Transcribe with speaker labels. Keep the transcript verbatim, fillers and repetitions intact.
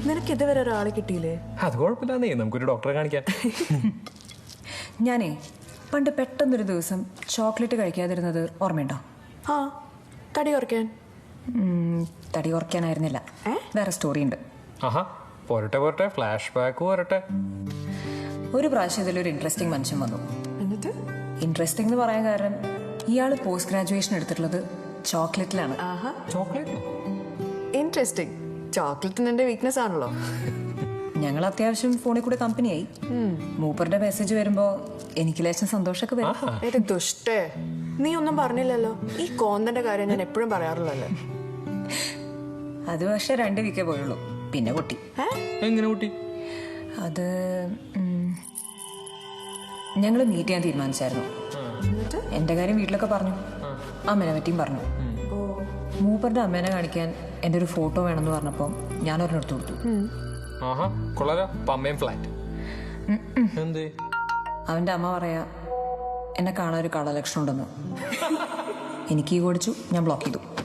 Speaker 1: നിനക്ക് ഇതുവരെ ഒരാളെ കിട്ടിയില്ലേ?
Speaker 2: അത് കുഴപ്പമില്ലാന്നേ, നമുക്കൊരു ഡോക്ടറെ കാണിക്കാം.
Speaker 3: ഞാനേ പണ്ട് പെട്ടെന്നൊരു ദിവസം ചോക്ലേറ്റ് കഴിക്കാതിരുന്നത് ഓർമ്മയുണ്ടോ?
Speaker 1: ആ, തടി കുറയ്ക്കാൻ.
Speaker 3: തടി കുറയ്ക്കാനായിരുന്നില്ല, വേറെ സ്റ്റോറി ഉണ്ട്.
Speaker 2: ആഹാ, പോരട്ടെ പോരട്ടെ, ഫ്ലാഷ് ബാക്ക് പോരട്ടെ.
Speaker 3: ഒരു പ്രാവശ്യം ഇതിലൊരു ഇൻട്രസ്റ്റിംഗ് മനുഷ്യൻ വന്നു.
Speaker 1: എന്നിട്ട്
Speaker 3: ഇൻട്രസ്റ്റിംഗ് എന്ന് പറയാൻ കാരണം ഇയാൾ പോസ്റ്റ് ഗ്രാജുവേഷൻ എടുത്തിട്ടുള്ളത് ചോക്ലേറ്റിലാണ്.
Speaker 1: ആഹാ,
Speaker 2: ചോക്ലേറ്റ്
Speaker 1: ഇൻട്രസ്റ്റിംഗ്. ചോക്ലേറ്റിന് എന്റെ വീക്ക്നെസ് ആണല്ലോ.
Speaker 3: ഞങ്ങൾ അത്യാവശ്യം ഫോണിൽ കൂടെ കമ്പനിയായി. മൂപ്പറുടെ മെസ്സേജ് വരുമ്പോ എനിക്ക് ലേശം സന്തോഷമൊക്കെ വരും.
Speaker 1: ഏത് ദുഷ്ടേ, നീ ഒന്നും പറഞ്ഞില്ലല്ലോ. ഈ കോന്തന്റെ കാര്യം ഞാൻ എപ്പോഴും പറയാറുള്ളല്ലേ.
Speaker 3: അത് പക്ഷെ രണ്ട് വീക്കേ പോയുള്ളൂ, പിന്നെ പൊട്ടി.
Speaker 2: എങ്ങനെ പൊട്ടി?
Speaker 3: അത് ഞങ്ങൾ മീറ്റ് ചെയ്യാൻ തീരുമാനിച്ചായിരുന്നു. എന്റെ കാര്യം വീട്ടിലൊക്കെ പറഞ്ഞു, അമ്മേനെ പറ്റിയും പറഞ്ഞു. മൂപ്പറുടെ അമ്മേനെ കാണിക്കാൻ എൻ്റെ ഒരു ഫോട്ടോ വേണമെന്ന് പറഞ്ഞപ്പോൾ ഞാൻ ഒരെണ്ണെടുത്ത് കൊടുത്തു.
Speaker 2: ആഹാ, കൊള്ളാലോ. പമ്മയും ഫ്ലാറ്റ്. എന്തേ?
Speaker 3: അവൻ്റെ അമ്മ പറയാ എന്നെ കാണാൻ ഒരു കളലക്ഷണം ഉണ്ടെന്ന്. എനിക്ക് ഈ ഓടിച്ചു, ഞാൻ ബ്ലോക്ക് ചെയ്തു.